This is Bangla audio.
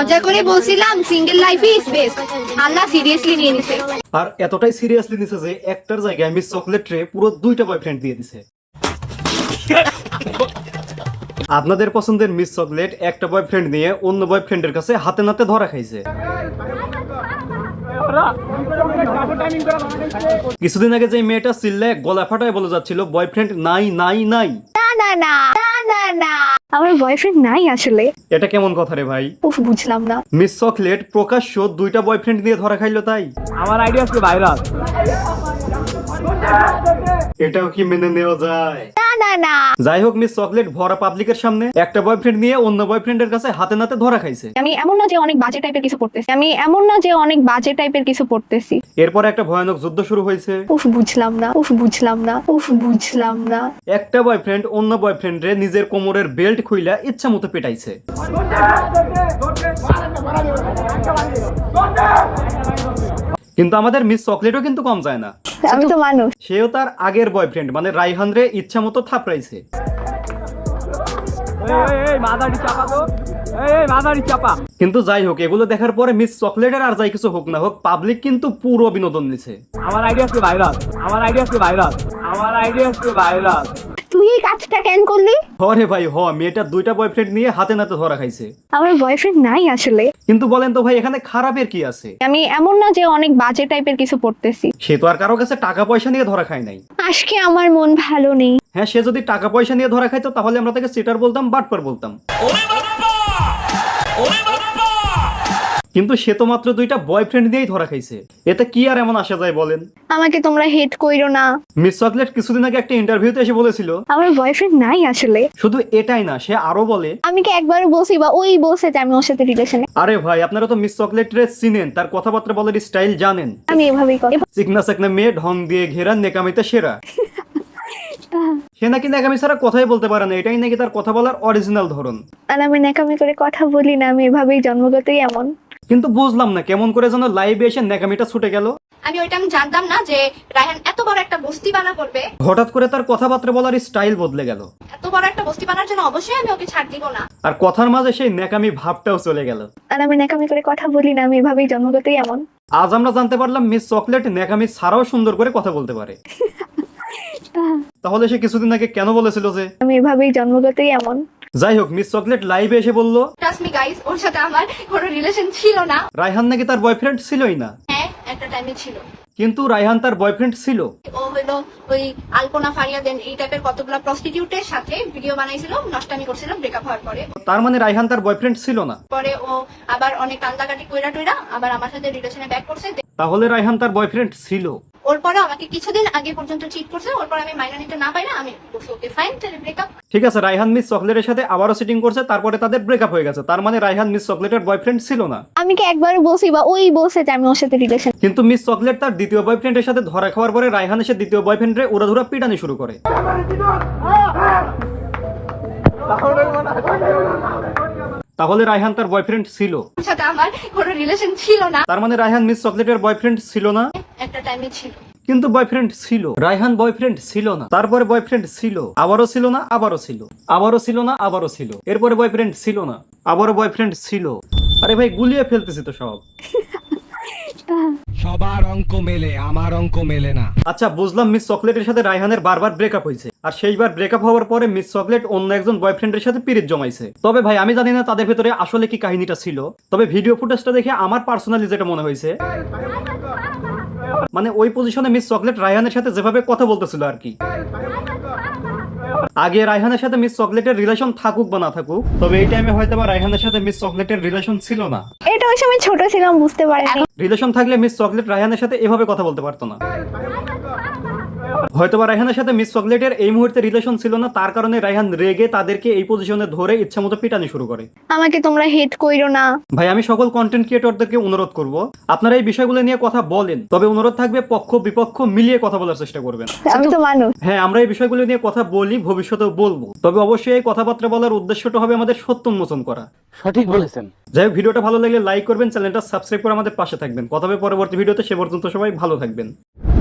মজা করে বলছিলাম সিঙ্গেল লাইফই ইজ বেস্ট, আল্লাহ সিরিয়াসলি নিয়ে নিছে। আর এতটাই সিরিয়াসলি নিছে যে একটার জায়গায় মিস চকলেট রে পুরো 2টা বয়ফ্রেন্ড দিয়ে দিছে। আপনাদের পছন্দের মিস চকলেট একটা বয়ফ্রেন্ড নিয়ে অন্য বয়ফ্রেন্ডের কাছে হাতে নাতে ধরা খাইছে। কিছুদিন আগে যে মেয়েটা চিল্লায় গলা ফাটায় বলে যাচ্ছিল বয়ফ্রেন্ড নাই নাই নাই, না না না না না না, আমার বয়ফ্রেন্ড নাই আসলে। এটা কেমন কথা রে ভাই? উফ, বুঝলাম না। মিস চকলেট প্রকাশ্য 2টা বয়ফ্রেন্ড নিয়ে ধরা খাইলো, তাই আমার আইডিয়া আছে ভাইরাল। এটাও কি মেনে নেওয়া যায়? না না না, যাই হোক, মিস চকলেট ভরা পাবলিকের সামনে একটা বয়ফ্রেন্ড নিয়ে অন্য বয়ফ্রেন্ডের কাছে হাতে নাতে ধরা খাইছে। আমি এমন না যে অনেক বাজে টাইপের কিছু পড়তেছি। এরপর একটা ভয়ানক যুদ্ধ শুরু হয়েছে। উফ, বুঝলাম না। একটা বয়ফ্রেন্ড অন্য বয়ফ্রেন্ডে নিজের কোমরের বেল্ট খুইলা ইচ্ছা মতো পেটাইছে। কিন্তু আমাদের মিস চকলেটও কিন্তু কম যায় না। আমি তো মানুষ। সেও তার আগের বয়ফ্রেন্ড মানে রাইহান রে ইচ্ছা মতো থাপড়াইছে। কিন্তু যাই হোক, এগুলো দেখার পরে মিস চকলেটের আর যাই কিছু হোক না হোক, পাবলিক কিন্তু পুরো বিনোদন নিছে। আমার আইডিয়া আছে ভাইরাল। তুই এই কাজটা কেন করলি? হরে ভাই হ, মেয়েটা 2টা বয়ফ্রেন্ড নিয়ে হাতে নাতে ধরা খাইছে। আমার বয়ফ্রেন্ড নাই আসলে। কিন্তু বলেন তো ভাই, এখানে খারাপের কি আছে? আমি এমন না যে অনেক বাজে টাইপের কিছু পড়তেছি। সে তো আর কারো কাছে টাকা পয়সা নিয়ে ধরা খায় নাই। আজকে আমার মন ভালো নেই। হ্যাঁ, সে যদি টাকা পয়সা নিয়ে ধরা খাইতো তাহলে আমরা তাকে চিটার বলতাম, বাটপার বলতাম। কিন্তু সে তো মাত্র 2টা বয়ফ্রেন্ড নিয়েই ধরা খাইছে, এতে কি আর এমন আসা যায় বলেন? আমাকে তোমরা হেট কইরো না। মিস চকলেট কিছুদিন আগে একটা ইন্টারভিউতে এসে বলেছিল আমার বয়ফ্রেন্ড নাই আসলে। শুধু এটাই না, সে আরো বলে আমি কি একবারও বলছি বা ওই বলছে যে আমি ওর সাথে রিলেশনে? আরে ভাই, আপনারা তো মিস চকলেট রে চিনেন, তার কথাবার্তা বলার স্টাইল জানেন। আমি এভাবেই কথা। চিকনা চাকনা মেয়ে, ঢং দিয়ে ঘেরা, নেকামিতে সেরা। সে নাকি নেকামি ছাড়া কথাই বলতে পারে না, এটাই নাকি তার কথা বলার অরিজিনাল ধরন। আর আমি ন্যাকামি করে কথা বলি না, আমি এভাবেই জন্মগতই এমন। কিন্তু বুঝলাম না কেমন করে যেন লাইভে এসে নেকামিটা ছুটে গেল। আমি জানতাম না যে রায়হান এত বড় একটা বস্তি বানা করবে। হঠাৎ করে তার কথাবার্তা বলার স্টাইল বদলে গেল। এত বড় একটা বস্তি বানার জন্য অবশ্যই আমি ওকে ছাড় দিব না। আর কথার মাঝে সেই নেকামি ভাবটাও চলে গেল। আর আমি ন্যাকামি করে কথা বলি না, আমি এভাবেই জন্মগতই এমন। আজ আমরা জানতে পারলাম মিস চকলেট নেকামি ছাড়াও সুন্দর করে কথা বলতে পারে। তাহলে সে কিছুদিন আগে কেন বলেছিল যে আমি এভাবেই জন্মগতই এমন? যাই হোক, মিস চকলেট লাইভে এসে বলল ট্রাস্ট মি গাইস, ওর সাথে আমার কোনো রিলেশন ছিল না। রায়হান নাকি তার বয়ফ্রেন্ড ছিলই না। হ্যাঁ, একটা টাইমে ছিল। কিন্তু রায়হান তার বয়ফ্রেন্ড ছিল। ও হলো ওই আলপনা ফারিয়াদেন এই টাইপের কতগুলো প্রস্টিটিউটের সাথে ভিডিও বানাইছিল, নষ্টামি করছিল ব্রেকআপ হওয়ার পরে। তার মানে রায়হান তার বয়ফ্রেন্ড ছিল না। পরে ও আবার অনেক কান্দাকাটি কইরা টইরা আবার আমার সাথে রিলেশনে ব্যাক করছে। তাহলে রায়হান তার বয়ফ্রেন্ড ছিল। ওর পরে আমাকে কিছুদিন আগে পর্যন্ত চিট করছে, ওর পরে আমি মাইনা নিতে না পারি না, আমি বলছি ওকে ফাইন, তাহলে ব্রেকআপ। ঠিক আছে, রায়হান মিস চকলেটের সাথে আবারও সিটিং করছে, তারপরে তাদের ব্রেকআপ হয়ে গেছে। তার মানে রায়হান মিস চকলেটের বয়ফ্রেন্ড ছিল না। আমি কি একবারও বলছি বা ওই বলছে যে আমি ওর সাথে রিলেশন? কিন্তু মিস চকলেট তার দ্বিতীয় বয়ফ্রেন্ডের সাথে ধরা খাওয়ার পরে রায়হান এসে দ্বিতীয় বয়ফ্রেন্ডে উড়াধুরা পিটানি শুরু করে। তাহলে রায়হান তার বয়ফ্রেন্ড ছিল। ওর সাথে আমার কোনো রিলেশন ছিল না। তার মানে রায়হান মিস চকলেটের বয়ফ্রেন্ড ছিল না। একটা টাইমে ছিল। কিন্তু বয়ফ্রেন্ড ছিল। রায়হান বয়ফ্রেন্ড ছিল না, তারপরে বয়ফ্রেন্ড ছিল, আবারও ছিল না, আবারও ছিল, আবারও ছিল না, আবারও ছিল, এরপরে বয়ফ্রেন্ড ছিল না, আবারও বয়ফ্রেন্ড ছিল। আরে ভাই, গুলিয়ে ফেলতেছি তো সব। সবার অঙ্ক মেলে, আমার অঙ্ক মেলে না। আচ্ছা, বুঝলাম মিস চকলেটের সাথে রায়হানের বারবার ব্রেকআপ হয়েছে, আর সেইবার ব্রেকআপ হওয়ার পরে মিস চকলেট অন্য একজন বয়ফ্রেন্ডের সাথে পিরিত জমাইছে। তবে ভাই, আমি জানি না তাদের ভেতরে আসলে কি কাহিনীটা ছিল। তবে ভিডিও ফুটেজটা দেখে আমার পার্সোনালি যেটা মনে হয়েছে, মানে ওই পজিশনে মিস চকলেট রায়হানের সাথে যেভাবে কথা বলতেছিল আর কি। আগে রায়হানের সাথে মিস চকলেটের রিলেশন থাকুক বা না থাকুক, তবে এই টাইমে হয়তো বা রায়হানের সাথে মিস চকলেটের রিলেশন ছিল না। এটা ওই সময় ছোট ছিলাম, বুঝতে পারিনি। রিলেশন থাকলে মিস চকলেট রায়হানের সাথে এভাবে কথা বলতে পারতো না। হয়তোবা রায়হানের সাথে মিস চকলেটের এই মুহূর্তে রিলেশন ছিল না, তার কারণে রায়হান রেগে তাদেরকে এই পজিশনে ধরে ইচ্ছামতো পিটানি শুরু করে। আমাকে তোমরা হেট কইরো না। ভাই, আমি সকল কন্টেন্ট ক্রিয়েটরদেরকে অনুরোধ করব, আপনারা এই বিষয়গুলো নিয়ে কথা বলেন, তবে অনুরোধ থাকবে পক্ষ বিপক্ষ মিলিয়ে কথা বলার চেষ্টা করবেন। আমি তো মানুষ। হ্যাঁ, আমরা এই বিষয়গুলো নিয়ে কথা বলি, ভবিষ্যতেও বলবো, তবে অবশ্যই এই কথাবার্তা বলার উদ্দেশ্যটা হবে আমাদের সত্য উন্মোচন করা। সঠিক বলেছেন। যাই হোক, ভিডিওটা ভালো লাগলে লাইক করবেন, চ্যানেলটা সাবস্ক্রাইব করে আমাদের পাশে থাকবেন। কথা হবে পরবর্তী ভিডিওতে, সে পর্যন্ত সবাই ভালো থাকবেন।